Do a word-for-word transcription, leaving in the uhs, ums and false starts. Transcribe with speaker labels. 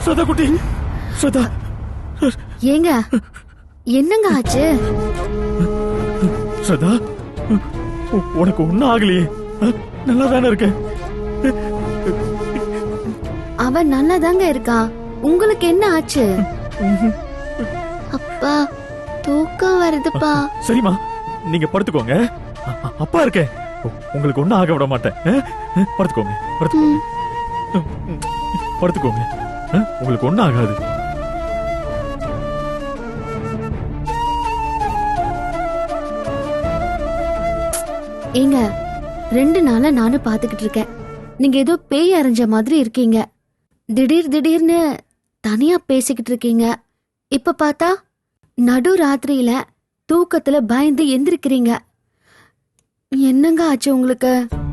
Speaker 1: ஸ்ரதா குட்டி, ஸ்ரதா.
Speaker 2: ஏங்க என்னங்க ஆச்சு?
Speaker 1: ஸ்ரதா, உனக்கு ஒண்ணும் ஆகலையே, நல்லா தானே இருக்க?
Speaker 2: அவன் நல்லா தாங்க இருக்கா, உங்களுக்கு என்ன ஆச்சு? அப்பா தூக்கம் வருதுப்பா.
Speaker 1: சரிம்மா, நீங்க படுத்துக்கோங்க, அப்பா இருக்கேன், உங்களுக்கு ஒண்ணும் ஆக விட மாட்டேன். படுத்துக்கோங்க படுத்துக்கோங்க படுத்துக்கோங்க, உங்களுக்கு ஒண்ணும் ஆகாது.
Speaker 2: ஏங்க ரெண்டு நாளா நானும் பாத்துக்கிட்டு இருக்கேன், நீங்க ஏதோ பேய் அரைஞ்ச மாதிரி இருக்கீங்க. திடீர் திடீர்னு தனியா பேசிக்கிட்டு இருக்கீங்க. இப்ப பார்த்தா நடு ராத்திரியில தூக்கத்துல பயந்து எந்திரிக்கிறீங்க. என்னங்க ஆச்சு உங்களுக்கு?